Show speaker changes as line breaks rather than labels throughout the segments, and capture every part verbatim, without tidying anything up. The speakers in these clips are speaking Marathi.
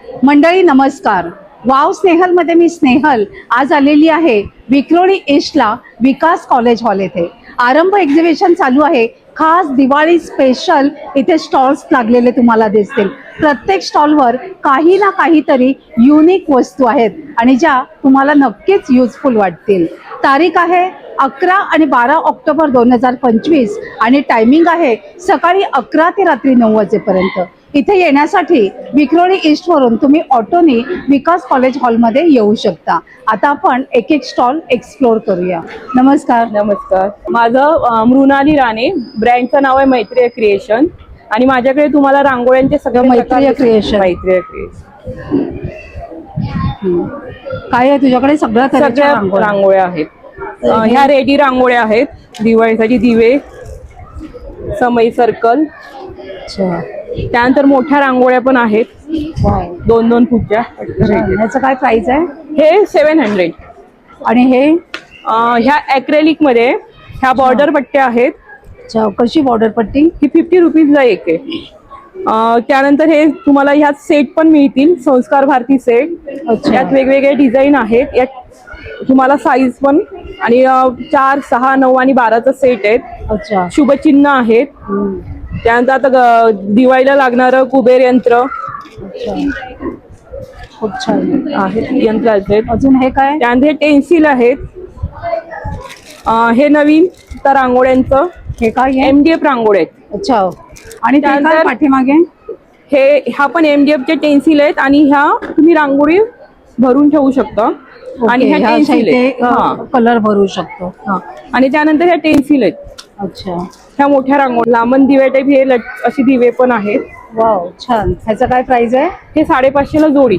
मंडळी नमस्कार. वाव स्नेहलमध्ये मी स्नेहल आज आलेली आहे विक्रोळी ईस्टला विकास कॉलेज हॉल येथे. आरंभ एक्झिबिशन चालू आहे. खास दिवाळी स्पेशल इथे स्टॉल्स लागलेले तुम्हाला दिसतील. प्रत्येक स्टॉलवर काही ना काहीतरी युनिक वस्तू आहेत आणि ज्या तुम्हाला नक्कीच युजफुल वाटतील. तारीख आहे अकरा आणि बारा ऑक्टोबर दोन हजार पंचवीस आणि टायमिंग आहे सकाळी अकरा ते रात्री नऊ वाजेपर्यंत. इथे येण्यासाठी विक्रोळी ईस्ट वरून तुम्ही ऑटोनी विकास कॉलेज हॉलमध्ये येऊ शकता. आता आपण एक एक स्टॉल एक्सप्लोर करूया. नमस्कार.
नमस्कार. माझं अ, मृणाली राणे, ब्रँडचं नाव आहे मैत्रेय क्रिएशन आणि माझ्याकडे तुम्हाला रांगोळ्यांचे सगळे
मैत्रेय क्रिएशन.
मैत्रेय क्रिएशन
काय आहे तुझ्याकडे? सगळ्या
सगळ्या
तऱ्हेच्या
रांगोळ्या आहेत. अ, ह्या रेडी रांगोळ्या आहेत. दिवाळीसाठी दिवे, समई सर्कल,
अच्छा.
त्यानंतर मोठ्या रांगोळ्या पण आहेत,
वाव.
दोन दोन फुटच्या.
ह्याचं काय प्राइस आहे?
हे सेवन हंड्रेड.
आणि हे
ह्या ॲक्रेलिक मध्ये ह्या बॉर्डर पट्ट्या आहेत.
अच्छा, कशी बॉर्डर पट्टी?
ही फिफ्टी रुपीजला एक आहे. अ, त्यानंतर हे तुम्हाला ह्यात सेट पण मिळतील, संस्कार भारती सेट.
अच्छा.
यात वेगवेगळे डिझाईन आहेत. यात तुम्हाला साईज पण आणि अ, चार सहा नऊ आणि बाराचा सेट आहेत.
अच्छा.
शुभचिन्ह आहेत.
हम्म.
त्यानंतर आता ग- दिवाळीला लागणारं कुबेर यंत्र
अच्छा. खूप छान
आहेत, यंत्र आहेत.
अजून हे काय?
त्यानंतर हे टेन्सिल आहेत. अ, हे नवीन तर रांगोळ्यांचं
हे काय आहे?
एमडीएफ रांगोळ्या आहेत.
अच्छा. आणि ते काय
त्यानंतर-
पाठीमागे?
हे ह्या पण एमडीएफचे टेन्सिल आहेत आणि ह्या तुम्ही रांगोळी भरून ठेवू शकता. आणि ह्या टेन्सिल आहेत. हा.
कलर भरू शकतो.
हा. आणि त्यानंतर ह्या टेन्सिल आहेत.
अच्छा.
ह्या मोठ्या रांगोळी लांबन दिवे टाईप हे लट- अशी दिवे पण आहेत.
वाव, छान. ह्याचं काय प्राइस आहे?
हे साडेपाचशेला जोडी.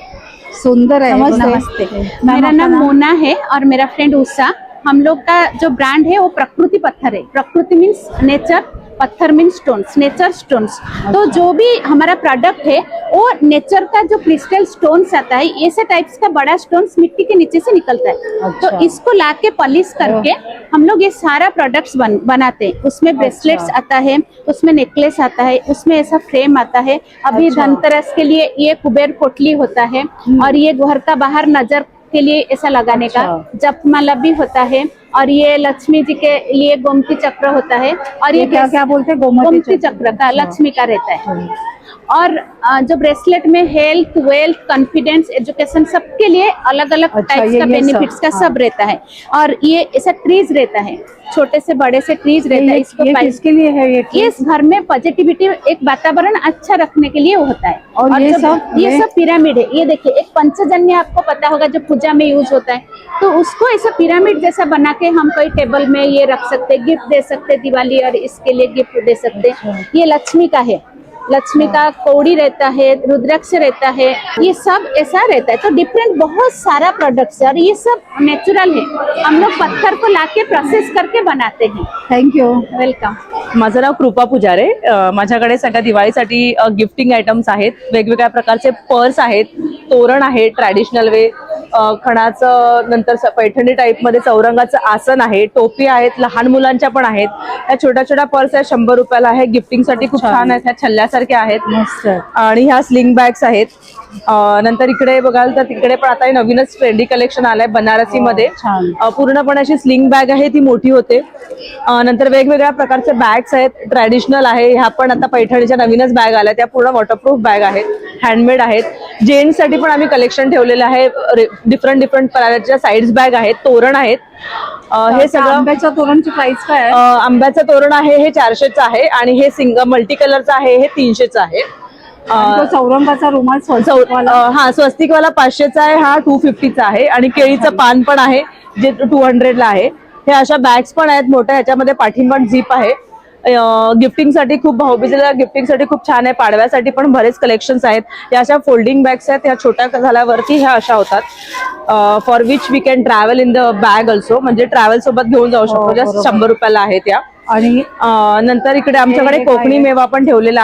सुंदर आहे.
नमस्ते।
नमस्ते.
मेरा नाम मोना है और मेरा फ्रेंड उषा। हम लोग का जो ब्रांड है वो प्रकृति पत्थर है। प्रकृति मीन्स नेचर, पत्थर मीन्स स्टोन्स, नेचर स्टोन्स। तो जो भी हमारा प्रोडक्ट है वो नेचर का जो क्रिस्टल स्टोन्स आता है, ऐसे टाइप्स का बड़ा स्टोन्स मिट्टी के नीचे से निकलता है।
अच्छा।
तो इसको लाके पॉलिश करके हम लोग ये सारा प्रोडक्ट्स बन, बनाते हैं। उसमें ब्रेसलेट्स आता है, उसमें नेकलेस आता है, उसमें ऐसा फ्रेम आता है। अभी
अच्छा।
धनतेरस के लिए ये कुबेर पोटली होता है और ये घर का बाहर नजर के लिए ऐसा लगाने का
अच्छा।
जपमाला भी होता है। और ये लक्ष्मी जी के लिए गोमती चक्र होता है और
ये
ये
क्या क्या बोलते हैं? गोमती
गोमती
चक्र।
चक्र का
अच्छा।
लक्ष्मी का रहता है। और अ, जो ब्रेसलेट में हेल्थ, वेल्थ, कॉन्फिडेंस, एजुकेशन सबके लिए अलग अलग
अच्छा,
टाइप्स
ये-
का
ये सब,
बेनिफिट्स का
हाँ।
सब रहता है। और ये ऐसा ट्रीज रहता है, छोटे से बड़े से ट्रीज रहता है।
ये,
इसको
ये
पाइ-
किसके लिए है? ये
ये इस घर में पॉजिटिविटी, एक वातावरण अच्छा रखने के लिए होता है।
और ये
जब-
सब-
ये
ये-
सब पिरामिड है। ये देखिए, एक पंचजन्य आपको पता होगा जो पूजा में यूज होता है, तो उसको ऐसा पिरामिड जैसा बना के हम कोई टेबल में ये रख सकते, गिफ्ट दे सकते, दिवाली और इसके लिए गिफ्ट दे सकते।
अच्छा।
ये लक्ष्मी का है, लक्ष्मी का कौड़ी रहता है, रुद्राक्ष रहता है, ये सब ऐसा रहता है। तो डिफरेंट बहुत सारा प्रोडक्ट्स है और ये सब नेचुरल है। हम लोग पत्थर को लाके प्रोसेस करके बनाते हैं।
थँक्यू.
वेलकम।
माझं नाव कृपा पुजारे. अ, माझ्याकडे सगळ्या दिवाळीसाठी अ, गिफ्टिंग आयटम्स आहेत. वेगवेगळ्या प्रकारचे पर्स आहेत, तोरण आहे ट्रॅडिशनल वे, अ, खणाचं, नंतर स- पैठणी टाईपमध्ये चौरंगाचं आसन आहे, टोपी आहेत, लहान मुलांच्या पण आहेत. ह्या छोट्या छोट्या पर्स आहेत, शंभर रुपयाला आहे. गिफ्टिंगसाठी खूप
छान.
छान आहेत. ह्या छल्ल्यासारख्या आहेत.
मस्त.
आणि ह्या स्लिंग बॅग्स आहेत. अ, नंतर इकडे बघाल तर तिकडे पण आता हे नवीनच ट्रेंडी कलेक्शन आलंय बनारसी मध्ये.
छान.
अ, पूर्णपणे अशी स्लिंग बॅग आहे, ती मोठी होते. अ, नंतर वेगवेगळ्या प्रकारचे बॅग्स आहेत, ट्रॅडिशनल आहे. ह्या पण आता पैठणीच्या नवीनच बॅग आल्या, त्या पूर्ण वॉटरप्रूफ बॅग आहेत, हँडमेड आहेत. जेंट्स साठी पण आम्ही कलेक्शन ठेवलेलं आहे. डिफरंट डिफरंट प्रकारच्या साईड्स बॅग आहेत, तोरण आहेत. अ, हे
त्या
सगळं
आंब्याच्या तोरणची प्राइस काय
अ,
आहे?
आंब्याचं तोरण आहे हे चारशेचं आहे आणि हे सिंगल मल्टी कलरचं आहे हे तीनशेचं आहे.
आणि तो चौरंगाचा रुमाल
चौ-
स्वस्तिकवाला?
अ, हा स्वस्तिकवाला पाचशेचा आहे, हा टू फिफ्टीचा आहे. आणि केळीचं पान पण आहे जे टू हंड्रेडला आहे. हे अशा बॅग्स पण आहेत मोठ्या, ह्याच्यामध्ये पाठींबण झीप आहे. गिफ्टिंगसाठी खूप, भाऊबीजेला गिफ्टिंगसाठी खूप छान आहे. पाडव्यासाठी पण बरेच कलेक्शन्स आहेत. या अशा फोल्डिंग बॅग्स आहेत, ह्या छोट्या झाल्यावरती ह्या अशा होतात. For which we can travel in the bag also, म्हणजे ट्रॅव्हल सोबत घेऊन जाऊ शकतो.
हो,
जस्ट
बरोबर.
शंभर रुपयाला आहेत या.
आणि
अ, नंतर इकडे आमच्याकडे
हे काय
कोकणी
आहे?
मेवा पण ठेवलेला आहे.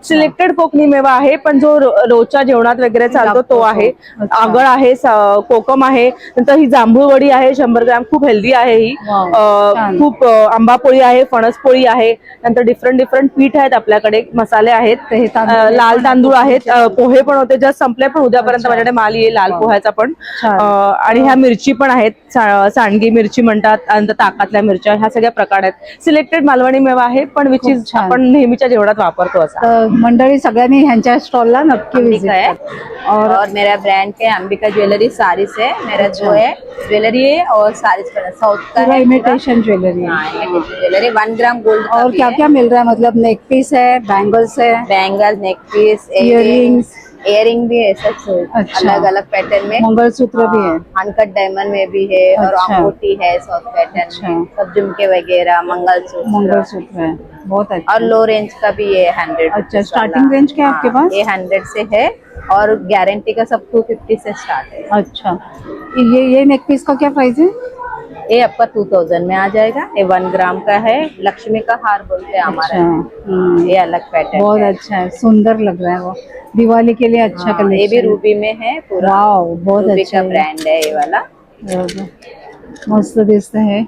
सिलेक्टेड कोकणी मेवा आहे, पण जो रो- रोजच्या जेवणात वगैरे चालतो तो आहे.
अच्छा.
आगळ आहे, स- कोकम आहे, नंतर ही जांभूळवडी आहे शंभर ग्रॅम, खूप हेल्दी आहे ही.
वाव,
अ,
छान.
खूप अ, आंबापोळी आहे, फणसपोळी आहे, नंतर डिफरंट डिफरंट पीठ आहेत आपल्याकडे, मसाले आहेत,
तर हे तांदूळ
अ, लाल
पण
तांदूळ आहेत, अ,
कोकणीचे.
पोहे पण होते, जस्ट संपले, पण उद्यापर्यंत
अच्छा.
माझ्याकडे माल येईल लाल
वाव.
पोह्याचा पण.
छान.
अ, आणि ह्या मिरची पण आहेत, सा- सांडगी मिरची म्हणतात, नंतर ताकातल्या मिरच्या, ह्या सगळ्या प्रकार आहेत. सिलेक्टेड मालवणी मेवा आहे, पण विच
खूप
इज
छान.
आपण नेहमीच्या जेवणात वापरतो असा.
तर मंडळी सगळ्यांनी ह्यांच्या स्टॉलला नक्की
अंबिका है
विजिट
और, और मेरा ब्रांड के अंबिका ज्वेलरी सारीस है। मेरा
अच्छा।
जो है ज्वेलरी है और सारीस का साउथ का
पूरा
है
इमिटेशन ज्वेलरी है।
हाँ, imitation jewellery one gram gold
और क्या क्या मिल रहा है, मतलब नेक पीस है, बैंगल्स है,
bangle, neck piece,
Earrings।
Earring भी है, सब
अच्छा।
अलग अलग पैटर्न में।
मंगलसूत्र भी है।
अनकट डायमंड में भी है और
अच्छा।
अंगूठी है साउथ पैटर्न
अच्छा।
में, सब झुमके वगैरह, मंगलसूत्र
मंगलसूत्र है, बहुत अच्छा।
और लो रेंज का भी है हंड्रेड।
अच्छा, starting range क्या है आपके पास?
ये हंड्रेड से है और गारंटी का सब टू फिफ्टी से स्टार्ट है।
अच्छा, ये ये नेक पीस का क्या प्राइस है?
ये आपका टू थाउजेंड में आ जाएगा। ये वन ग्राम का है, लक्ष्मी का हार बोलते हैं हमारा।
अच्छा, हम्म,
ये अलग पैटर्न
बहुत
है।
अच्छा है, सुंदर लग रहा है वो, दिवाली के लिए अच्छा
हाँ,
कलेक्शन।
ये भी रूबी में है पूरा।
वाव, बहुत
रूबी
अच्छा
का
है।
ब्रांड है ये वाला।
मस्त दिसत है,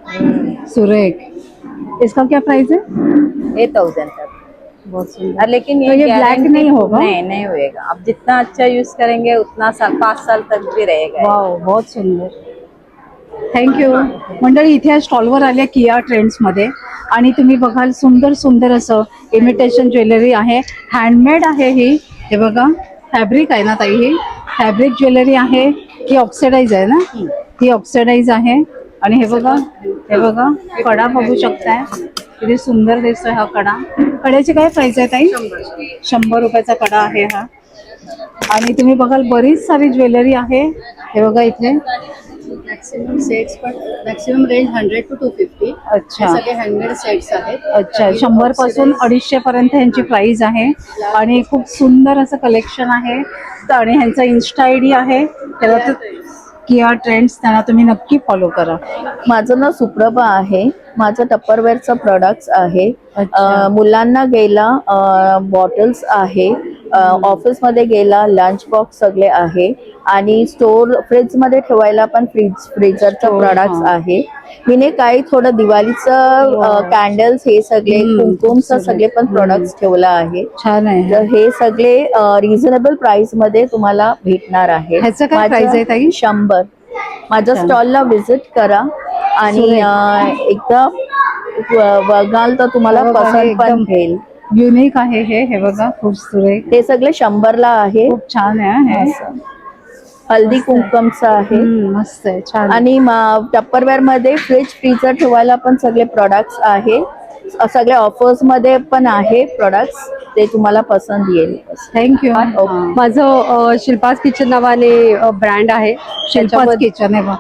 सुरेख। इसका क्या प्राइस है?
ये थाउजेंड तक।
बहुत सुंदर।
और लेकिन
तो ये ब्लैक
guarantee-
नहीं होगा?
नहीं नहीं होएगा। आप जितना अच्छा यूज करेंगे उतना साल पाँच साल तक भी रहेगा।
वाव, बहुत सुंदर, थँक्यू। मंडळी इथे या स्टॉलवर आल्या किया ट्रेंड्समध्ये आणि तुम्ही बघाल सुंदर सुंदर असं इमिटेशन ज्वेलरी आहे, हँडमेड आहे ही। हे बघा, फॅब्रिक आहे ना ताई, ही फॅब्रिक ज्वेलरी आहे, ही ऑक्सिडाइज आहे ना, ही ऑक्सिडाइज आहे। आणि हे बघा, हे बघा कडा बघू शकताय, किती सुंदर दिसतोय हा कडा। कड्याची काय प्राइस आहे ताई? शंभर रुपयाचा कडा आहे हा। आणि तुम्ही बघाल बरीच सारी ज्वेलरी आहे, हे बघा इथे।
मॅक्सिमम सेट्स पण maximum range hundred two two fifty
अच्छा,
सगळे हँडमेड सेट्स आहेत।
अच्छा, शंभर पासून अडीचशे पर्यंत ह्यांची प्राइस आहे आणि खूप सुंदर असं कलेक्शन आहे। तर आणि ह्यांचा इन्स्टा आय डी आहे, त्याला तर किया ट्रेंड्स, त्यांना तुम्ही नक्की फॉलो करा।
माझं नाव सुप्रभा आहे, माझं टप्परवेअरचं प्रोडक्ट्स आहे।
अच्छा.
अ, मुलांना गेला बॉटल्स आहे, ऑफिसमध्ये गेला लंच बॉक्स सगळे आहे, आणि स्टोर फ्रीजमध्ये ठेवायला पण फ्रीज फ्रीजरचं
Store,
प्रोडक्ट्स
हा.
आहे। मी काही थोडं दिवाळीचं
Wow.
कॅन्डल्स हे सगळे
हम्म,
कुंकुमचं
सगळे.
सगळे पण
हम्म.
प्रोडक्ट्स ठेवलं आहे।
छान आहे।
तर हे सगळे रिझनेबल प्राइस मध्ये तुम्हाला भेटणार आहे।
ह्याचं काय
माझं
price आहे ताई?
शंभर। माझ्या
अच्छा.
स्टॉलला व्हिजिट करा आणि
सुरेख.
अ, एकदा ब- बघाल तर तुम्हाला
बघा, हे
पसंत पण
एकदम
घेईल।
युनिक आहे हे, हे बघा खूप सुरेख,
ते सगळे शंभरला आहे।
खूप छान आहे हे।
असं. हल्दी कुंकमचं आहे।
हम्म, मस्त आहे, छान।
आणि टप्परवेअर मध्ये फ्रीज फ्रीजर ठेवायला पण सगळे प्रोडक्ट्स आहे, सगळे ऑफर्स मध्ये पण आहे प्रोडक्ट्स, ते तुम्हाला पसंत येईल।
थँक्यू।
माझं अ, शिल्पास किचन नावाने ब्रँड आहे।
शिल्पास
त्याच्यामध्ये-
किचन आहे बघ,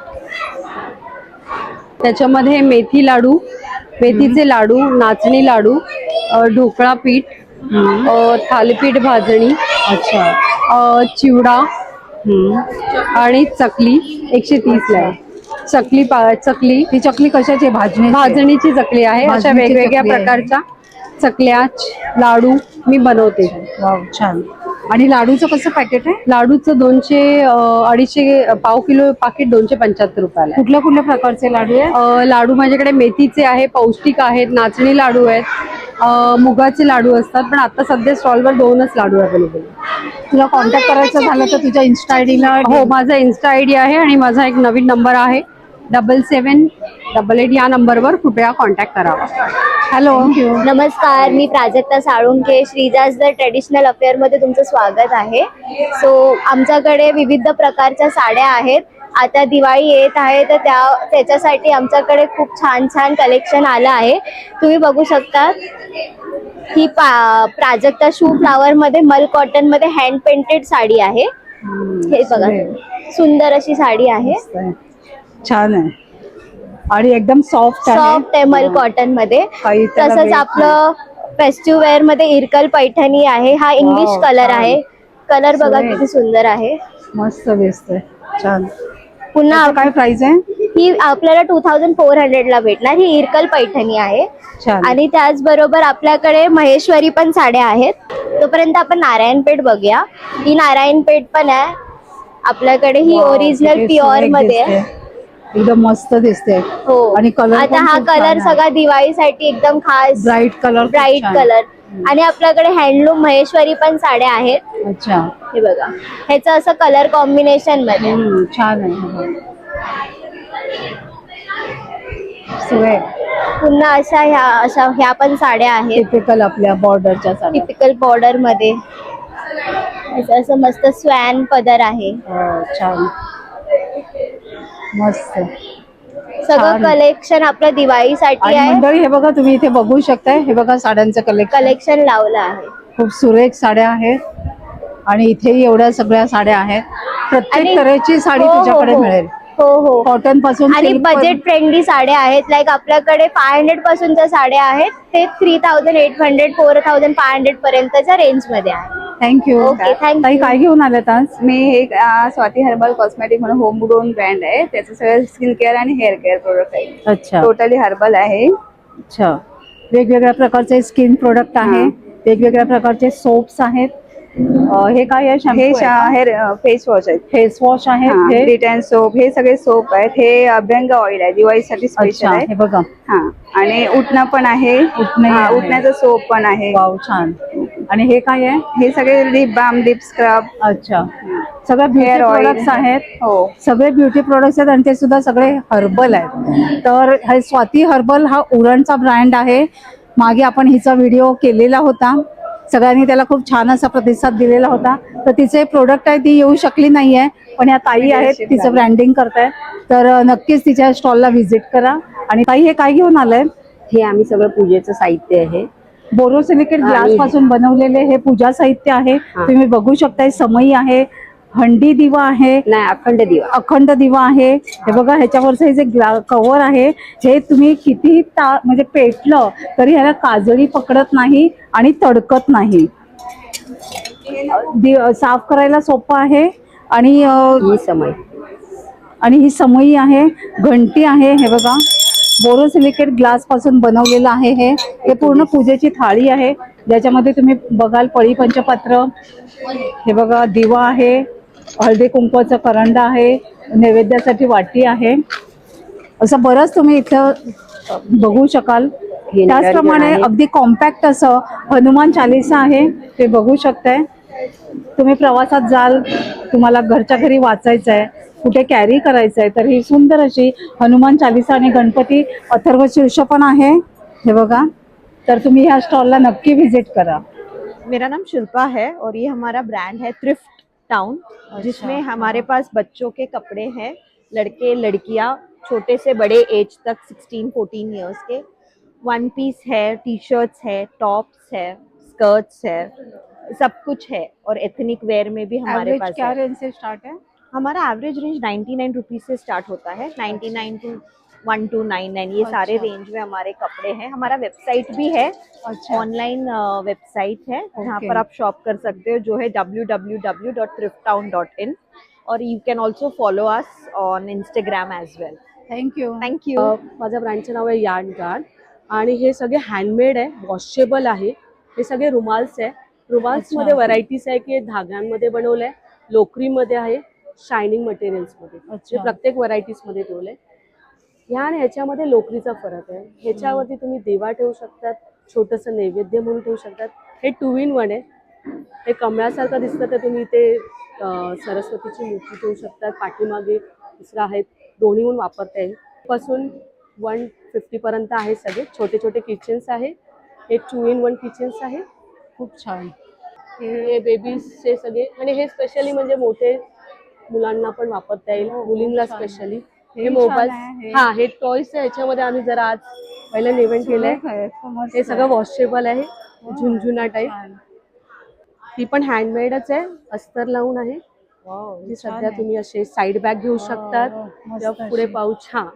त्याच्यामध्ये मेथी लाडू, मेथीचे लाडू, नाचणी लाडू, अ, ढोकळा पीठ, अ, थालीपीठ भाजणी,
अच्छा,
अ, चिवडा
हम्म।
आणि चकली एकशे तीसला आहे। चकली पा चकली
ती चकली कशाची आहे? भाजणी
भाजणीची चकली आहे। अशा
भाजणीची
वेगवेगळ्या
चकली आहे.
प्रकारच्या चकल्या, लाडू मी बनवते।
वाव, छान। आणि लाडूचं कसं पॅकेट आहे?
लाडूचं दोनशे अ, अडीचशे पाव किलो पाकिट दोनशे पंच्याहत्तर रुपयाला आहे।
कुठल्या कुठल्या प्रकारचे लाडू आहे?
अ, लाडू माझ्याकडे मेथीचे आहे, पौष्टिक आहेत, नाचणी लाडू आहेत, अ, मुगाचे लाडू असतात, पण आता सध्या स्टॉलवर दोनच लाडू अवेलेबल आहेत।
तुला कॉन्टॅक्ट करायचं झालं तर तुझ्या इन्स्टा आय डीला
हो, माझा इन्स्टा आय डी आहे आणि माझा एक नवीन नंबर आहे डबल सेवन डबल एट, या नंबरवर कृपया कॉन्टॅक्ट करावा।
हॅलो,
नमस्कार, मी प्राजक्ता साळुंखे, श्रीजाज द ट्रेडिशनल अफेअरमध्ये तुमचं स्वागत आहे। सो आमच्याकडे विविध प्रकारच्या साड्या आहेत। आता दिवाळी येत आहे तर त्या त्याच्यासाठी आमच्याकडे खूप छान छान कलेक्शन आलं आहे। तुम्ही बघू शकता, ही पा प्राजक्ता शू फ्लावरमध्ये मल कॉटनमध्ये हँड पेंटेड साडी आहे। हे बघा, सुंदर अशी साडी आहे,
छान आहे आणि एकदम सॉफ्ट आहे,
सॉफ्ट आहे मल कॉटन मध्ये।
काही त्याला
तसंच
weight
आपलं फेस्टिव्ह वेअर मध्ये इरकल पैठणी आहे, हा इंग्लिश
Wow,
कलर
छान.
आहे। कलर बघा
सुरेख.
किती सुंदर आहे।
मस्त दिसतंय, छान।
पुन्हा
त्याचं काय प्राइस आहे?
ही आपल्याला टू थाउजंड फोर हंड्रेडला भेटणार. ही इरकल पैठणी आहे.
छान.
आणि त्याचबरोबर आपल्याकडे महेश्वरी पण साड्या आहेत. तोपर्यंत आपण नारायणपेठ बघूया. ही नारायणपेठ पण आहे आपल्याकडे. ही
वाव,
ओरिजिनल
किती
प्युअर
सुरेख
मध्ये आहे.
दिसते. एकदम मस्त दिसते.
हो.
आणि कलर
आता हा कलर सगळा दिवाळीसाठी एकदम खास
ब्राईट कलर,
ब्राईट कलर. आणि आपल्याकडे हँडलूम महेश्वरी पण साड्या आहेत.
अच्छा.
हे बघा, ह्याचं असं कलर कॉम्बिनेशन मध्ये.
हम्म, छान आहे. सुरेख.
पुन्हा अशा ह्या अशा ह्या पण साड्या आहेत
टिपिकल आपल्या बॉर्डरच्या साड्या.
टिपिकल बॉर्डर मध्ये. असं असं मस्त स्वॅन पदर आहे.
हो, छान, मस्त.
सगळं
छान.
कलेक्शन आपलं दिवाळीसाठी
आणि
आहे.
मंडळी हे बघा, तुम्ही इथे बघू शकताय. हे बघा साड्यांचं कलेक्शन.
कलेक्शन लावलं आहे.
खूप सुरेख साड्या आहेत. आणि इथेही एवढ्या सगळ्या साड्या आहेत. प्रत्येक
आणि-
तऱ्हेची साडी
हो, हो,
तुझ्याकडे
हो.
मिळेल.
हो हो.
कॉटन पासून
आणि
silk पर्यंत.
बजेट फ्रेंडली साड्या आहेत. लाईक आपल्याकडे फाय हंड्रेड पासूनच्या साड्या आहेत ते three thousand eight hundred four thousand five hundred पर्यंतच्या रेंज मध्ये आहे.
थँक्यू.
Okay, thank you.
ताई काय घेऊन आल्यात आज?
मी हे अ, स्वाती हर्बल कॉस्मेटिक म्हणून होम ग्रोन ब्रँड आहे. त्याचं सगळं स्किन केअर आणि हेअर केअर प्रोडक्ट आहे.
अच्छा,
टोटली हर्बल आहे.
अच्छा. वेगवेगळ्या प्रकारचे स्किन प्रोडक्ट आहे. वेगवेगळ्या प्रकारचे सोप्स आहेत. अं, हे काय आहे?
हे
शॅम्पू आहे
हेअर फेस वॉश आहेत.
फेस वॉश आहे. हे
डिट अँड सोप हे सगळे सोप आहेत. हे अभ्यंग ऑइल आहे, दिवाळीसाठी स्पेशल
अच्छा,
आहे.
हे बघा.
हा. आणि उठणं पण आहे.
उटणंही
हा,
आहे.
उठण्याचं सोप पण आहे.
वाव, छान. आणि हे काय आहे?
हे सगळे लिप बाम, लिप स्क्रब,
अच्छा, सगळे ब्युटी
हेअर ऑइल
प्रोडक्ट्स आहेत.
हो.
सगळे ब्युटी प्रोडक्ट्स आहेत आणि ते सुद्धा सगळे हर्बल आहेत. तर हे स्वाती हर्बल हा उरणचा ब्रँड आहे. मागे आपण हिचा व्हिडिओ केलेला होता. सगळ्यांनी त्याला खूप छान असा प्रतिसाद दिलेला होता. तर तिचे प्रोडक्ट आहे ती येऊ शकली नाहीये, पण या ताई आहेत तिचं ब्रँडिंग करतायत. तर अं, नक्कीच तिच्या स्टॉलला व्हिजिट करा. आणि ताई हे काय घेऊन आलंय?
हे आम्ही सगळं पूजेचं साहित्य आहे.
बोरोसिलिकेट ग्लास पासून बनवलेले हे पूजा साहित्य आहे. तुम्ही बघू शकताय. समई आहे, हंडी दिवा आहे,
नाही, अखंड दिवा.
अखंड दिवा आहे. हे बघा, ह्याच्यावरचं हे जे कव्हर आहे हे तुम्ही किती ता म्हणजे पेटलं तरी ह्याला काजळी पकडत नाही आणि तडकत नाही. दि- साफ करायला सोपं आहे. आणि अं,
ही समय
आणि ही समई आहे, घंटी आहे. हे बघा, बोरोसिलिकेट ग्लास पासून बनवलेलं आहे. हे हे पूर्ण पूजेची थाळी आहे, ज्याच्यामध्ये तुम्ही बघाल पळी पंचपात्र. हे बघा, दिवा आहे, हळदी कुंकवाचा करंडा आहे, नैवेद्यासाठी वाटी आहे. असं बरंच तुम्ही इथं बघू शकाल. त्याचप्रमाणे अगदी कॉम्पॅक्ट असं हनुमान चालीसा आहे, ते बघू शकताय. तुम्ही प्रवासात जाल, तुम्हाला घरच्या घरी वाचायचं आहे, कुठे कॅरी करायचं आहे, तर ही सुंदर अशी हनुमान चालीसा आणि गणपती अथर्व शीर्ष पण आहे. हे बघा, तर तुम्ही ह्या स्टॉलला नक्की व्हिजिट करा.
मेरा नाम शिल्पा है और ये हमारा ब्रांड है थ्रिफ्ट टाउन, जिसमें हमारे पास बच्चों के कपड़े हैं, लड़के लड़कियां छोटे से बड़े एज तक सिक्सटीन फोर्टीन इयर्स के. वन पीस है, टी शर्ट्स है, टॉप्स है, स्कर्ट्स है, सब कुछ है. और एथनिक वेयर में भी हमारे
Average
पास
क्या
है.
रेंज से स्टार्ट है?
हमारा average range ninety nine rupees से स्टार्ट होता है. Ninety nine two one two nine nine ये सारे रेंज में हमारे कपड़े हैं. हमारा वेबसाइट भी है,
अच्छा,
ऑनलाइन वेबसाइट है जहाँ
Okay.
पर आप शॉप कर सकते हो, जो है W W W dot thrift town dot in. और you can also follow us on Instagram as well.
Thank you.
Thank you.
माझ्या ब्रँडचं नाव आहे यार्ड गार्ड आणि हे सगळे हँडमेड आहे, वॉशेबल आहे. हे सगळे रुमाल्स आहे. रुमाल्समध्ये व्हरायटीज आहे की धाग्यांमध्ये बनवलं आहे, लोकरीमध्ये आहे, शायनिंग मटेरियल्समध्ये.
अच्छा.
प्रत्येक व्हरायटीजमध्ये ठेवलं आहे. ह्या आणि ह्याच्यामध्ये लोकरीचा फरक आहे. ह्याच्यावरती तुम्ही दिवा ठेवू शकतात, छोटंसं नैवेद्य म्हणून ठेवू शकतात. हे टू इन वन आहे. हे कमळासारखं दिसतं, तर तुम्ही ते अं, सरस्वतीची मूर्ती ठेवू शकतात. पाठीमागे दुसरं आहेत, दोन्ही म्हणून वापरता येईल. पासून वन फिफ्टीपर्यंत आहे. सगळे छोटे छोटे किचन्स आहे. हे टू इन वन किचन्स आहे.
खूप छान.
हे बेबीजचे सगळे, आणि हे स्पेशली म्हणजे मोठे मुलांना पण वापरता येईल, मुलींना स्पेशली. हे मोबाईल, हा हे टॉयस आहे. ह्याच्यामध्ये आम्ही जरा आज पहिलं इव्हेंट केलंय. हे सगळं वॉशेबल आहे, झुंझुना टाईप. ही पण हँडमेडच आहे, अस्तर लावून आहे. ही सध्या तुम्ही असे साईड बॅग घेऊ शकतात, किंवा पुढे पाऊच. हा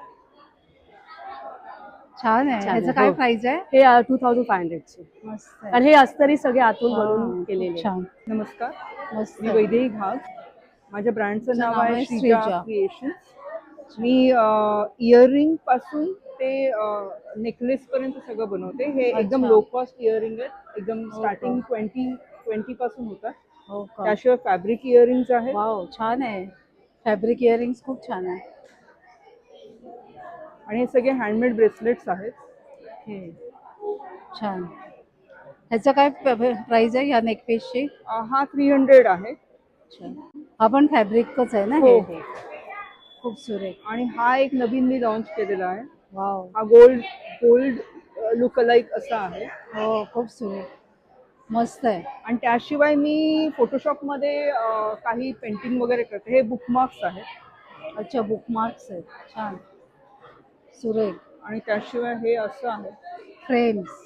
छान आहे. ह्याचं काय प्राइस आहे?
हे टू थाउजंड फाय हंड्रेडचे.
मस्त आहे.
आणि हे अस्तरी सगळे आतून बनवून केलेले.
छान.
नमस्कार,
मस्त.
मी वैदेही घाग. माझ्या ब्रँडचं नाव आहे श्रीजा क्रिएशन. मी इयरिंग पासून ते नेकलेस पर्यंत सगळं बनवते. हे एकदम
अच्छा.
लो कॉस्ट इयरिंग आहेत, एकदम स्टार्टिंग ट्वेंटी ट्वेंटी पासून होतात.
हो का?
त्याशिवाय फॅब्रिक इयरिंग्स आहेत.
वाव, छान आहे. फॅब्रिक इयरिंग्स खूप छान आहे.
आणि हे सगळे हँडमेड ब्रेसलेट्स आहेत.
हे छान. ह्याचं काय प्राइस आहे या नेकपीसची?
अ, हा थ्री हंड्रेड आहे.
हा पण फॅब्रिकच आहे ना
हो,
हे?
हो.
खूप सुरेख.
आणि हा एक नवीन मी लॉन्च केलेला आहे.
वाव,
हा गोल्ड गोल्ड लुक अलाइक असा आहे.
हो खूप सुरेख, मस्त आहे.
आणि त्याशिवाय मी फोटोशॉपमध्ये अ, काही पेंटिंग वगैरे करते. हे बुकमार्क्स आहेत.
अच्छा, बुकमार्क्स आहेत, छान सुरेख.
आणि त्याशिवाय हे असं आहे.
फ्रेम्स,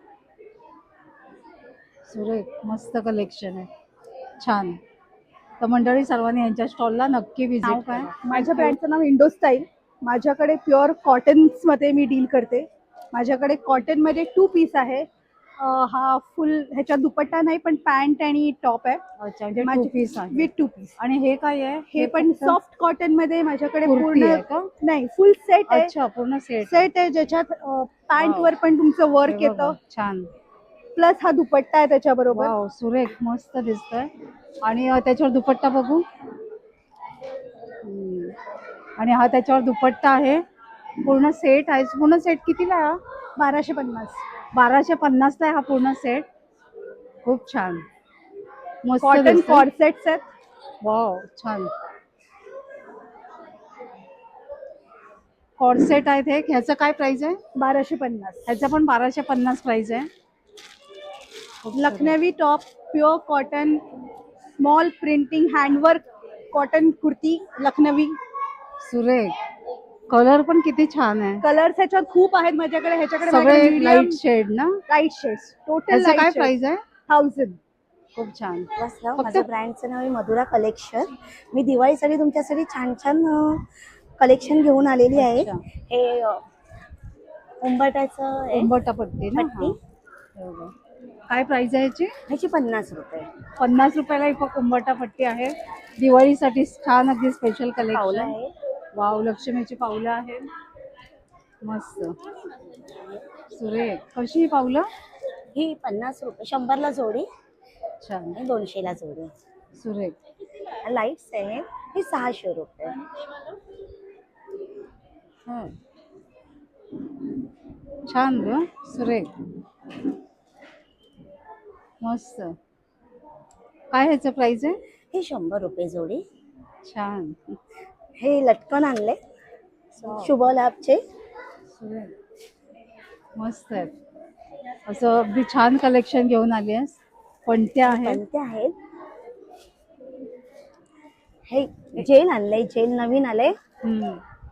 सुरेख, मस्त कलेक्शन आहे, छान. तर मंडळी सर्वांनी यांच्या स्टॉलला नक्की व्हिजिट करा.
माझ्या ब्रँडचं नाव इंडो स्टाईल. माझ्याकडे प्युअर कॉटन्समध्ये मी डील करते. माझ्याकडे कॉटनमध्ये टू पीस आहे. अं, हा फुल ह्याच्यात दुपट्टा नाही पण पॅन्ट आणि टॉप आहे.
अच्छा, म्हणजे टू पीस आहे.
With two piece.
आणि हे काय आहे?
हे पण सॉफ्ट कॉटन मध्ये माझ्याकडे
कुर्ती
पूर्ण
आहे का?
नाही, फुल सेट आहे.
अच्छा, पूर्ण सेट
सेट आहे ज्याच्यात पॅन्ट वर पण तुमचं वर्क येतं,
छान.
प्लस हा दुपट्टा आहे त्याच्याबरोबर.
वाव, सुरेख, मस्त दिसतंय. आणि अ, त्याच्यावर दुपट्टा बघू. हम्म. आणि हा त्याच्यावर दुपट्टा आहे, पूर्ण सेट आहे. पूर्ण सेट कितीला आहे हा?
बाराशे पन्नास.
बाराशे पन्नासला आहे हा पूर्ण सेट. खूप छान, मस्त
कॉटन
दिसतंय.
कॉर्सेट्स आहेत.
वाव, छान. कॉर्सेट आहेत हे. ह्याचं काय प्राइस आहे?
बाराशे पन्नास.
ह्याचं पण बाराशे पन्नास प्राइस आहे. खूप सुरेख.
Lucknowi top, pure cotton, small printing, handwork cotton kurti Lucknowi.
सुरेख, कलर पण किती छान आहे.
कलर्स ह्याच्यात खूप आहेत माझ्याकडे. ह्याच्याकडे
सगळे लाईट शेड ना?
Light shades. टोटल
ह्याचं काय प्राइस आहे?
थाउजंड.
खूप छान.
नमस्कार, माझ्या ब्रँडचं नाव आहे मधुरा कलेक्शन. मी दिवाळीसाठी तुमच्यासाठी छान छान कलेक्शन घेऊन आलेली आहे.
अच्छा.
हे अ, उंबरठ्याचं आहे.
उंबरठा पट्टी ना?
पट्टी.
हा. बरोबर. काय प्राइस आहे याची?
ह्याची पन्नास रुपये.
पन्नास रुपयाला एक उंबरठा पट्टी आहे. दिवाळीसाठी छान अगदी स्पेशल
पावलं
कलेक्शन.
आहे.
वाव, लक्ष्मीची पावलं आहे, मस्त सुरेख. कशी ही पावलं?
ही पन्नास रुपये, शंभरला जोडी
छान,
आणि दोनशेला जोडी.
सुरेख.
लाईट्स आहे. ही सहाशे रुपये.
हा. छान ग, सुरेख, मस्त. काय ह्याचं प्राइस आहे?
ही शंभर रुपये जोडी.
छान,
हे लटकन आणले शुभ लाभचे.
सुरेख, मस्त आहेत. असं अगदी छान कलेक्शन घेऊन आली आहेस. पणत्या आहेत.
पणत्या आहेत. हे जेल आणलंय, जेल नवीन आलंय.
हम्म.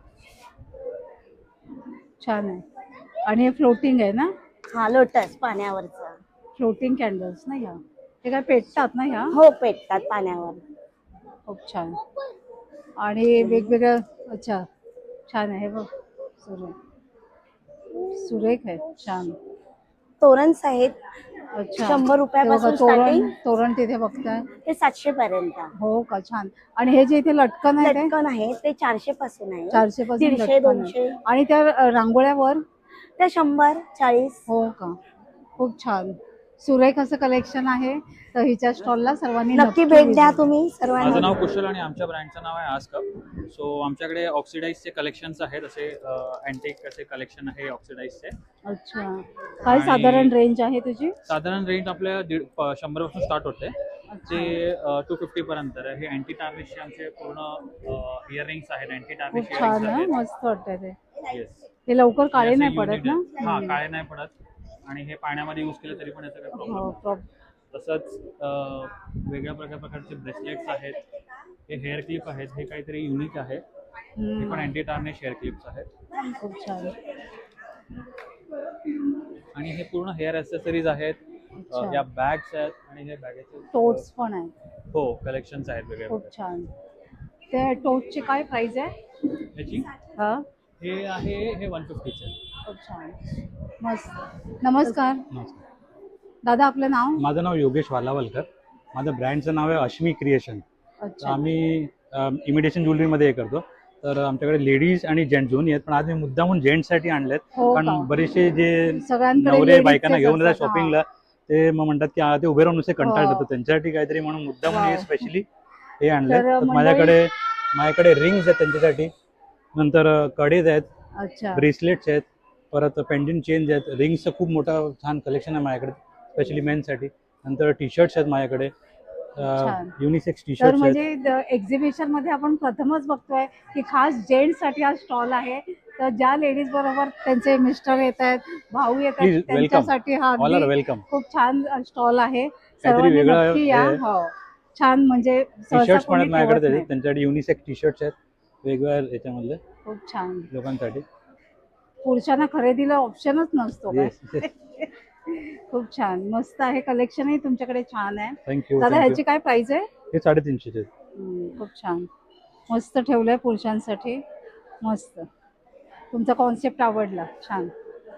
छान आहे. आणि हे फ्लोटिंग आहे ना?
हा, लोटस पाण्यावरचा.
फ्लोटिंग कॅन्डल्स ना ह्या? हे काय पेटतात ना ह्या?
हो, पेटतात पाण्यावर.
खूप छान. आणि वेगवेगळं, अच्छा, छान आहे बघ, सुरेख, सुरेख आहे, छान.
तोरणस आहेत.
अच्छा,
शंभर रुपयापासून
ते बघा, तोरण
स्टार्टिंग
तोरण तिथे बघताय.
ते सातशे पर्यंत.
हो का, छान. आणि हे जे इथे लटकन आहे ते
लटकन आहे ते चारशे पासून आहे.
चारशे पासून
दीडशे,
लटकन
दोनशे.
आहे. आणि त्या अ, रांगोळ्यावर
त्या शंभर, चाळीस.
हो का, खूप छान, सुरेख असं कलेक्शन आहे. तर हिच्या स्टॉलला सर्वांनी
नक्की भेट द्या
visit.
तुम्ही सर्वांनी.
माझं नाव कुशल आणि आमच्या ब्रँडचं नाव आहे आस्कअप. सो आमच्याकडे ऑक्सिडाईजचे कलेक्शन्स आहेत, असे अँटिक असे कलेक्शन आहे ऑक्सिडाईजचे.
अच्छा, काय साधारण रेंज आहे तुझी?
साधारण रेंज आपल्या दीड शंभर पासून स्टार्ट होते ते टू फिफ्टी पर्यंत आहे. हे अँटी टार्निशचे आमचे पूर्ण इयरिंग्स आहेत. अँटी टार्निश
खूप छान
इयरिंग्स
आहे,
आहेत.
मस्त वाटतंय ते.
येस,
ते लवकर काळे
हे
नाही
असे
पडत
unit
ना?
आहेत. हा, काळे नाही पडत. आणि हे पाण्यामध्ये यूज केलं तरी पण याचा काही प्रॉब्लेम
हो,
नाही.
प्रॉब-
तसंच अं, वेगळ्या प्रकार प्रकारचे ब्रेसलेट्स आहेत. हे हेअर क्लिप आहेत. हे काहीतरी युनिक आहे. हे पण अँटी टार्निश हेअर क्लिप्स आहेत.
खूप छान.
आणि हे पूर्ण हेअर ॲक्सेसरीज आहेत.
अच्छा.
या बॅग्स आहेत आणि हे बॅगेचे
टोट्स पण आहेत.
हो, कलेक्शन्स आहेत वेगळे
खूप छान. ते टोटची काय प्राइस आहे?
याची
हा,
हे आहे हे वन फिफ्टीचे.
खूप छान, मस्त. नमस्कार
नमस्कार.
दादा, आपलं नाव?
माझं नाव योगेश वालावलकर. माझं ब्रँडचं नाव आहे अश्मी क्रिएशन. तर
अच्छा,
आम्ही इमिटेशन ज्वेलरीमध्ये हे करतो.
तर आमच्याकडे लेडीज आणि जेंट्स दोन्ही आहेत, पण आज मी मुद्दामून जेंट्ससाठी आणलेत.
हो का?
कारण बरेचसे जे
सगळ्यांकडे
नवरे
ladies
बायकांना
चेच
घेऊन येतात
असतात,
शॉपिंगला, ते मग म्हणतात की आ, ते उभे राहून नुसते कंटाळ
हो.
येतात, त्यांच्यासाठी काहीतरी म्हणून मुद्दामून हे
वाव.
स्पेशली हे आणले.
तर
तर
मंडळी-
माझ्याकडे माझ्याकडे रिंग्स आहेत त्यांच्यासाठी, नंतर कडेज आहेत,
अच्छा
ब्रेसलेट्स आहेत, परत पेंडंट चेन्स आहेत, रिंग्सचं खूप मोठा छान कलेक्शन आहे माझ्याकडे स्पेशली मेनसाठी. नंतर टी शर्ट्स आहेत माझ्याकडे,
छान.
युनिसेक्स टी
तर
शर्ट्स आहेत.
म्हणजे एक्झिबिशन मध्ये आपण प्रथमच बघतोय की खास जेंट्स साठी हा स्टॉल आहे. तर ज्या लेडीज बरोबर त्यांचे मिस्टर येत आहेत, भाऊ येत
Please,
आहेत,
welcome.
त्यांच्यासाठी हा
All are
अगदी
welcome.
खूप छान स्टॉल आहे.
काहीतरी
सर्वांनी
वेगळं
नक्की या.
आहे.
हो छान, म्हणजे
टी
सहसा
शर्ट्स पण
कोणी
आहेत माझ्याकडे
ठेवत
त्याचे,
नाही.
त्यांच्यासाठी युनिसेक्स टी शर्ट्स आहेत वेगवेगळ्या याच्यामधले
खूप छान.
लोकांसाठी.
पुरुषांना खरेदीला ऑप्शनच नसतो काय?
Yes.
खूप छान, मस्त आहे. कलेक्शनही तुमच्याकडे छान आहे.
थँक्यू.
दादा ह्याची काय प्राइस आहे?
हे साडेतीनशेचे आहेत.
हम्म, खूप छान, मस्त ठेवलंय पुरुषांसाठी. मस्त, तुमचा कॉन्सेप्ट आवडला, छान.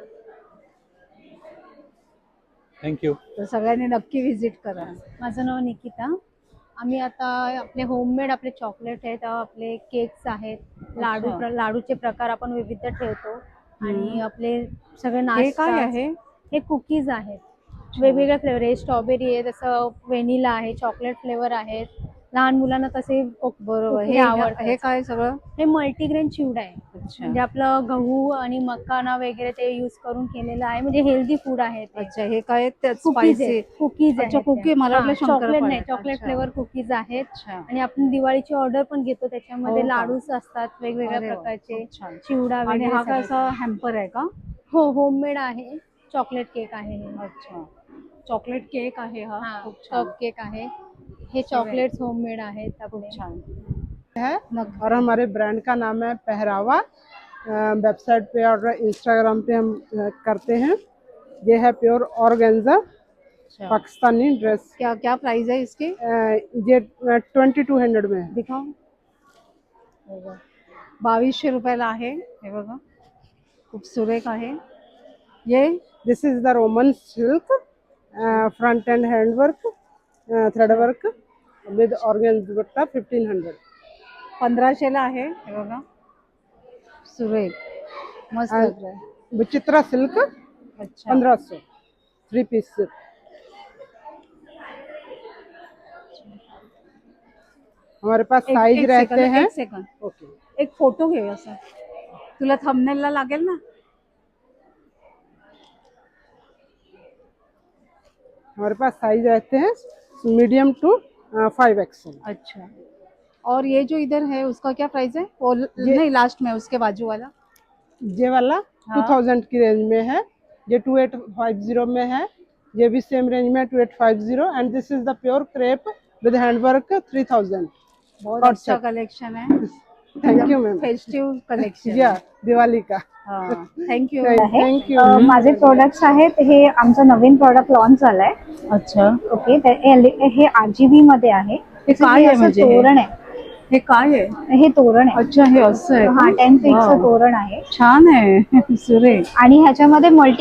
थँक्यू.
तर सगळ्यांनी नक्की व्हिजिट करा.
माझं नाव निकिता. आम्ही आता आपले होममेड आपले चॉकलेट आहेत, आपले केक्स आहेत, लाडू
अच्छा.
प्र- लाडूचे प्रकार आपण विविध ठेवतो आणि
हम्म.
आपले सगळे
हे
नाश्ता
काय आहे?
हे कुकीज आहेत, वेगवेगळे फ्लेवर आहे. स्ट्रॉबेरी आहे, तसं व्हेनिला आहे, चॉकलेट फ्लेवर आहेत. लहान मुलांना तसे
बरोबर.
हे
हे
आवडतं.
हे काय सगळं?
हे मल्टीग्रेन चिवडा आहे,
अच्छा.
म्हणजे आपलं गहू आणि मकाना वगैरे ते यूज करून केलेलं आहे, म्हणजे हेल्दी फूड आहे ते.
अच्छा, हे काय
कुकीज
स्पायसी?
कुकीज
अच्छा, कुकी. मला वाटलं
चॉकलेट
शंकरपाळ्या.
नाही, चॉकलेट
अच्छा.
फ्लेवर कुकीज आहेत.
अच्छा.
आणि आपण दिवाळीची ऑर्डर पण घेतो, त्याच्यामध्ये
हो का?
लाडूस असतात वेगवेगळ्या
अरे वा,
प्रकारचे,
खूप छान.
चिवडा
आणि
वगैरे
हा काय
सगळं.
असा हॅम्पर आहे का?
हो, होममेड आहे. चॉकलेट केक आहे हे.
अच्छा, चॉकलेट केक आहे हा.
हा,
खूप छान.
कप केक आहे. हे चॉकलेट्स होममेड आहेत
खूप
आपले.
छान
है
नक्की.
और हमारे ब्रांड का नाम है पहरावा। वेबसाइट पे और इंस्टाग्राम पे हम अ, करते हैं। ये है प्योर ऑर्गेन्जा
अच्छा.
पाकिस्तानी ड्रेस।
क्या क्या प्राइस है इसकी?
अ, ये ट्वेंटी टू हंड्रेड में है।
दिखाओ. बावीसशे रुपयाला आहे. हे बघा, खूप सुरेख आहे. ये
this is the Roman silk front and hand work thread work with organza dupatta fifteen hundred.
पंधराशेला आहे. हे बघा, सुरेख, मस्त
आणि-
लग रहा है.
विचित्रा सिल्क
अच्छा,
पंद्रह सौ थ्री पीस सिल्क। हमारे पास
एक-
साइज
एक
रहते
सेकंद,
हैं।
एक सेकंद,
ओके,
एक फोटो घे असा. तुला थंबनेलला लागेल ना?
हमारे पास साइज रहते हैं मीडियम टू फाइव एक्सएल।
अच्छा, और ये जो इधर है उसका क्या प्राइस है? वो ल- नहीं, लास्ट में उसके बाजू वाला.
ये वाला टू
हाँ।
थाउजेंड की रेंज में है। ये टू एट फाइव जीरो में है। ये भी सेम रेंज में two eight five zero and this is the pure crepe with handwork three thousand.
बहुत
और
अच्छा
सब-
कलेक्शन है.
Thank you ma'am.
Festive collection.
या दिवाली का
थँक्यू.
Thank you.
अ, माझे प्रोडक्ट्स आहेत, हे आमचं नवीन प्रोडक्ट लॉन्च झालंय.
अच्छा,
ओके, तर हे- हे आरजीबी मध्ये आहे.
हे काय आहे
असं
म्हणजे हे?
तोरण आहे.
हे काय आहे?
हे तोरण आहे.
अच्छा, हे असं आहे
हा,
का?
टेन फीटचं
वाव.
तोरण आहे.
छान आहे. सुरेख.
आणि ह्याच्यामध्ये मल्टी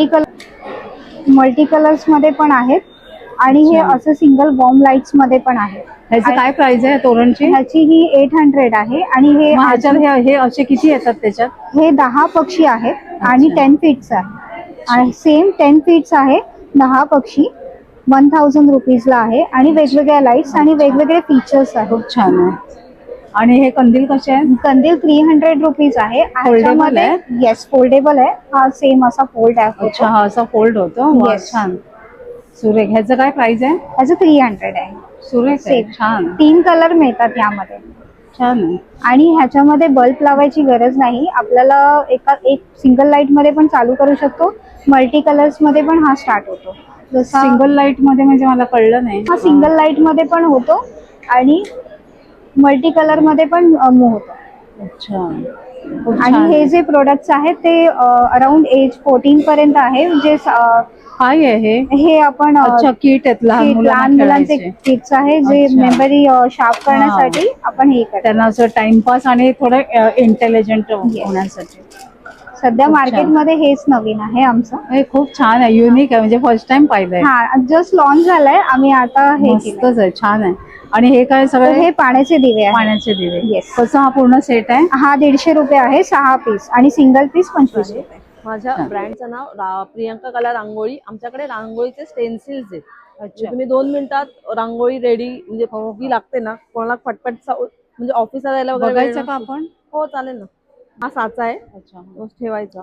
कलर मल्टी कलर्स मध्ये पण आहेत आणि हे
अच्छा.
असं सिंगल बॉम्ब लाईट्स मध्ये पण आहे.
ह्याची काय प्राइस आहे तोरणची?
ह्याची ही एट हंड्रेड आहे आणि हे
मग ह्याच्यात हे हे असे किती येतात त्याच्यात?
हे दहा पक्षी आहेत आणि टेन फीट्स आहे आणि सेम टेन फीट्स आहे. दहा पक्षी वन थाउजंड रुपीजला आहे आणि वेगवेगळ्या लाईट्स आणि वेगवेगळे फीचर्स आहेत.
खूप छान आहे. आणि हे कंदील कसे आहेत?
कंदील थ्री हंड्रेड रुपीज आहे.
Foldable आहे?
येस, फोल्डेबल आहे. हा सेम असा फोल्ड आहे.
अच्छा, हा असा फोल्ड होतो. वा,
Yes.
छान, सुरेख. ह्याचं काय प्राइस आहे?
ह्याचं थ्री हंड्रेड आहे.
सुरेख आहे.
Same.
छान,
तीन कलर मिळतात यामध्ये
छान आहे.
आणि ह्याच्यामध्ये बल्ब लावायची गरज नाही. आपल्याला एका एक सिंगल लाईट मध्ये पण चालू करू शकतो. मल्टी कलर्स मध्ये पण हा स्टार्ट होतो. जसा
सिंगल लाईट मध्ये म्हणजे मला कळलं नाही.
हा सिंगल लाईट मध्ये पण होतो आणि मल्टी कलर मध्ये पण मूव्ह होतो.
अच्छा, खूप
आणि
छान.
हे जे प्रोडक्ट्स आहेत ते अराउंड एज फोर्टीन पर्यंत आहे. जे अ,
काय आहे हे?
हे आपण अ,
अच्छा, किट आहेत लहान
किट-
मुलांना
लहान मुलांचे
खेळायचे.
किट्स आहे जे
अच्छा.
मेमरी शार्प करण्यासाठी आपण हे करतो.
त्यांना असं टाइमपास आणि थोडं इंटेलिजंट होण्यासाठी.
सध्या
खूप छान.
मार्केटमध्ये हेच नवीन आहे आमचं.
हे खूप छान आहे, युनिक आहे, म्हणजे फर्स्ट टाइम पाहिलंय.
हा, जस्ट लॉन्च झालंय. आम्ही आता हे केलंय.
मस्तच आहे, छान आहे. आणि हे काय
तर
सगळे
हे पाण्याचे दिवे आहे.
पाण्याचे दिवे.
येस.
कसं हा पूर्ण सेट आहे?
हा दीडशे रुपये आहे सहा पीस आणि सिंगल पीस पंचवीस रुपये.
माझ्या ब्रँडचं नाव रा- प्रियंका कला रांगोळी. आमच्याकडे रांगोळीचे स्टेन्सिल्स आहेत. म्हणजे तुम्ही दोन मिनिटात रांगोळी रेडी म्हणजे जी लागते ना कोणाला पटपट सा- म्हणजे ऑफिसला जायला वगैरे वेळ
बघायचं का
नसतो.
आपण?
हो चालेल ना. हा साचा आहे.
अच्छा.
तो ठेवायचा.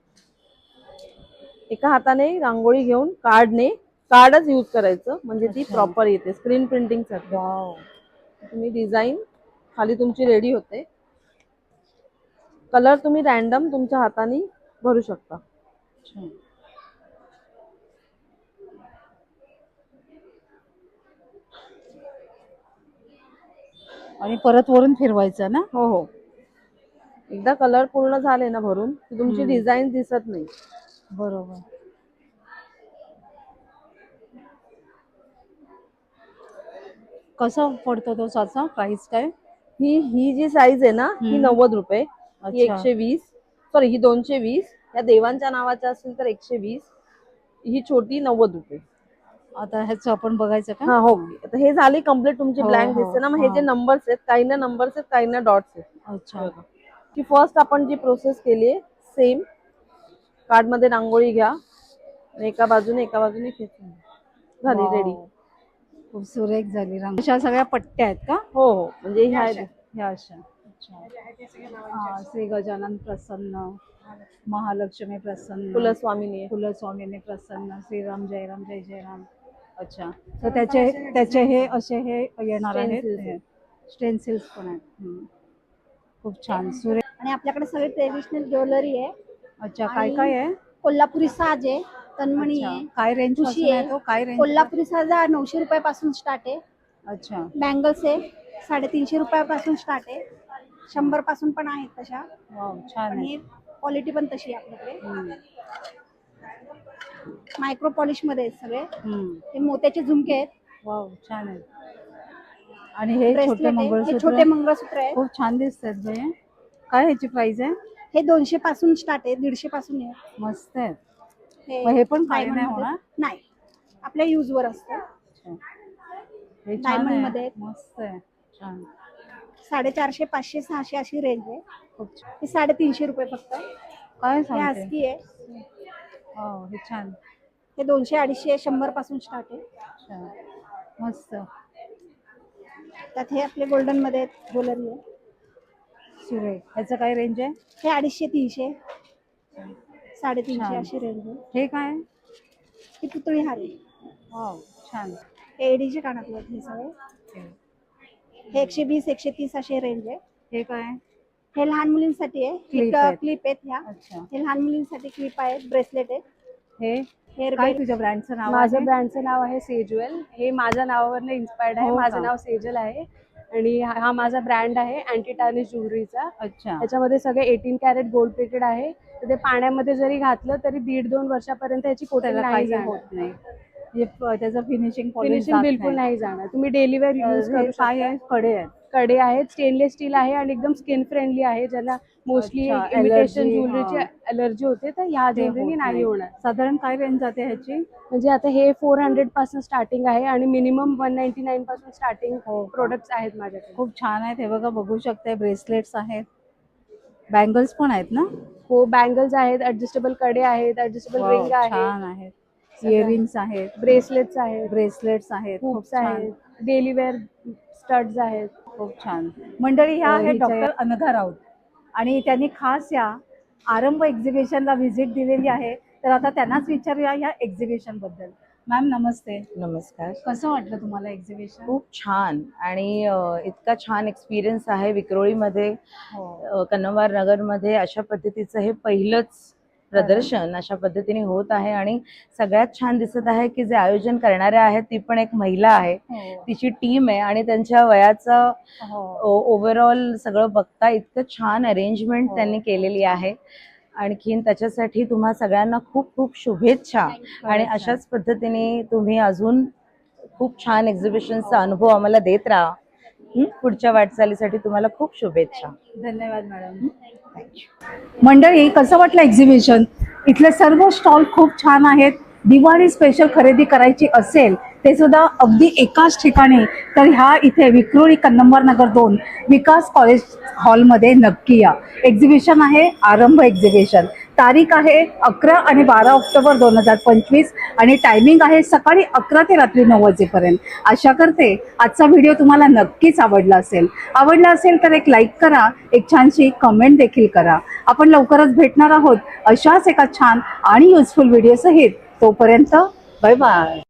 एका हाताने रांगोळी घेऊन कार्डने कार्डच यूज करायचं म्हणजे ती प्रॉपर येते. स्क्रीन प्रिंटिंग साठी तुम्ही डिझाईन खाली तुमची रेडी होते. कलर तुम्ही रॅन्डम तुमच्या हाताने भरू शकता.
आणि परत वरून फिरवायचं ना?
हो हो. एकदा कलर पूर्ण झाले ना भरून की तुमची
हम्म.
डिझाईन दिसत नाही.
बरोबर. कसं पडतो तो साचा? प्राइस काय?
ही ही जी साईज आहे ना ही
हम्म.
नव्वद रुपये, ही
अच्छा.
एकशे वीस, सॉरी ही दोनशे वीस. या देवांच्या नावाच्या असतील तर एकशे वीस. ही छोटी नव्वद रुपये.
आता ह्याचं आपण बघायचं का?
हा हो. आता हे झाली कम्प्लीट तुमची
हो,
ब्लँक
हो,
दिसते ना. मग हे
हा.
जे नंबर्स आहेत काही ना नंबर्स आहेत काही ना डॉट्स आहेत.
अच्छा.
की फर्स्ट आपण जी प्रोसेस केली आहे सेम कार्ड मध्ये रांगोळी घ्या आणि एका बाजूने एका बाजूने खेचून झाली
वाव.
रेडी.
खूप सुरेख झाली रांग. अशा सगळ्या पट्ट्या आहेत का?
हो हो. म्हणजे ह्या आहेत.
ह्या अशा. अच्छा. हा, श्री गजानन प्रसन्न, महालक्ष्मी प्रसन्न,
कुलस्वामिनी,
कुलस्वामिनी प्रसन्न, श्रीराम जयराम जय जयराम. अच्छा. तर त्याचे त्याचे हे असे हे येणार आहेत
Stencils.
स्टेन्सिल्स पण आहेत. हम्म. खूप छान सुरेख.
आणि आपल्याकडे सगळे ट्रेडिशनल ज्वेलरी आहे.
अच्छा. काय काय आहे?
कोल्हापुरी साज आहे, तन्मणी
अच्छा.
आहे,
काय रेंज
ठुशी
पासून आहे
आहे.
तो? काय रेंज?
कोल्हापुरी साज हा नऊशे रुपयापासून स्टार्ट आहे.
अच्छा.
बँगल्स आहे साडेतीनशे रुपयापासून स्टार्ट आहे. शंभर पासून पण आहेत तशा.
वाव, छान आहे.
आणि क्वालिटी पण तशी आहे आपल्याकडे. मायक्रो पॉलिश मध्ये आहेत सगळे.
हम्म.
हे मोत्याचे झुमके आहेत.
वाव, छान आहे. आणि हे
Bracelet
छोटे
आहे. हे
मंगळसूत्र
छोटे मंगळसूत्र आहे.
खूप छान दिसतात बाई. काय ह्याची प्राइस आहे?
हे दोनशे पासून स्टार्ट आहे, दीडशे पासून आहे.
मस्त आहे. मग हे पण काही
diamond
नाही
मध्ये-
होणार?
नाही, आपल्या यूज वर असतं.
हे छान
डायमंड
आहे.
मध्ये
मस्त आहे. छान.
साडेचारशे पाचशे सहाशे अशी रेंज आहे. हे साडेतीनशे रुपये फक्त.
काय
हे
सांगते?
हस्की आहे.
हो, हे छान.
हे दोनशे अडीचशे शंभर पासून स्टार्ट आहे.
अच्छा. मस्त.
त्यात हे आपले गोल्डन मध्ये ज्वेलरी आहे.
सुरेख. ह्याचं काय रेंज आहे?
हे अडीचशे तीनशे साडेतीनशे
छान.
अशी रेंज आहे.
हे काय?
ही पुतळी हार आहे.
वाव, छान.
हे एडीचे कानातले आहेत हे सगळे. हे एकशे वीस एकशे तीस अशी रेंज आहे.
हे काय?
हे लहान मुलींसाठी आहे.
Clip आहेत.
क्लिप आहेत ह्या.
अच्छा.
हे लहान मुलींसाठी क्लिप आहेत, ब्रेसलेट आहेत.
हे
हेअर
काय तुझ्या ब्रँडचं नाव
माझं
आहे?
ब्रँडचं नाव आहे सेज्युअल. हे माझ्या नावावरनं इन्स्पायर्ड आहे.
हो
माझं
का?
नाव सेजल आहे आणि हा हा माझा ब्रँड आहे अँटी टार्निश ज्वेलरीचा.
अच्छा.
त्याच्यामध्ये सगळे एटीन कॅरेट गोल्ड प्लेटेड आहे. तर ते पाण्यामध्ये जरी घातलं तरी दीड दोन वर्षापर्यंत याची कोटिंग
त्याला
नाही
काही होत
जाणार.
नाही. म्हणजे प- त्याचं फिनिशिंग
फिनिशिंग बिलकुल नाही जाणार. तुम्ही डेली वेअर यूज करू
काय
शकता.
आहे? कडे आहेत.
कडे आहेत, स्टेनलेस स्टील आहे आणि एकदम स्किन फ्रेंडली आहे. ज्यांना मोस्टली
अच्छा,
इमिटेशन
allergy,
ज्वेलरीची
हा.
अलर्जी होते तर ह्या
ते
ज्वेलरीने
होत
नाही
नाही.
होणार.
साधारण काय रेंज जाते ह्याची?
म्हणजे आता हे फोर हंड्रेड पासून स्टार्टिंग आहे आणि मिनिमम वन नाईन्टी नाईन पासून स्टार्टिंग
हो का?
प्रोडक्ट्स आहेत माझ्याकडे.
खूप छान आहेत. हे बघा, बघू शकताय. ब्रेसलेट्स आहेत, बँगल्स पण आहेत ना?
हो, बँगल्स आहेत, ऍडजस्टेबल कडे आहेत, ऍडजस्टेबल
वाव,
रिंग आहे,
छान आहेत. इयरिंग्स आहेत,
ब्रेसलेट्स आहेत,
ब्रेसलेट्स आहेत. खूप
हुक्स
छान.
आहेत, डेली वेअर स्टड्स आहेत.
खूप छान. मंडळी, ह्या
अ,
आहेत
हिच्या-
डॉक्टर अनघा राऊत आणि त्यांनी खास या आरंभ एक्झिबिशनला व्हिजिट दिलेली आहे. तर आता त्यांनाच विचारूया या एक्झिबिशन बद्दल. मॅम नमस्ते.
नमस्कार.
कसं वाटलं तुम्हाला एक्झिबिशन?
खूप छान आणि अ, इतका छान एक्सपिरियन्स आहे विक्रोळीमध्ये. अ, कन्नवार नगरमध्ये अशा पद्धतीचं हे पहिलंच प्रदर्शन अशा पद्धतीने होत आहे आणि सगळ्यात छान दिसत आहे की जे आयोजन करणारे आहेत ती पण एक महिला आहे. तिची टीम आहे आणि त्यांच्या वयाचं ओव्हरऑल सगळं बघता इतकं छान अरेंजमेंट त्यांनी केलेली आहे. आणखीन त्याच्यासाठी तुम्हा सगळ्यांना खूप खूप शुभेच्छा आणि अशाच पद्धतीने तुम्ही अजून खूप छान एक्झिबिशनचा अनुभव आम्हाला देत राहा. हं? पुढच्या वाटचालीसाठी तुम्हाला खूप शुभेच्छा.
धन्यवाद मॅडम. मंडळी, कसं वाटलं एक्झिबिशन? इथले सर्व स्टॉल खूप छान आहेत. दिवाळी स्पेशल खरेदी करायची असेल ते सुद्धा अगदी एकाच ठिकाणी, तर ह्या इथे विक्रोळी कन्नंबर नगर दोन विकास कॉलेज हॉलमध्ये नक्की या. एक्झिबिशन आहे आरंभ एक्झिबिशन. तारीख आहे अकरा आणि बारा ऑक्टोबर दोन हजार पंचवीस आणि टायमिंग आहे सकाळी अकरा ते रात्री नऊ वाजेपर्यंत. आशा करते आजचा व्हिडिओ तुम्हाला नक्कीच आवडला असेल. आवडला असेल तर एक लाईक करा, एक छानशी कमेंट देखील करा. आपण लवकरच भेटणार आहोत अशाच एका छान आणि युजफुल व्हिडिओ सहित. तोपर्यंत बाय बाय.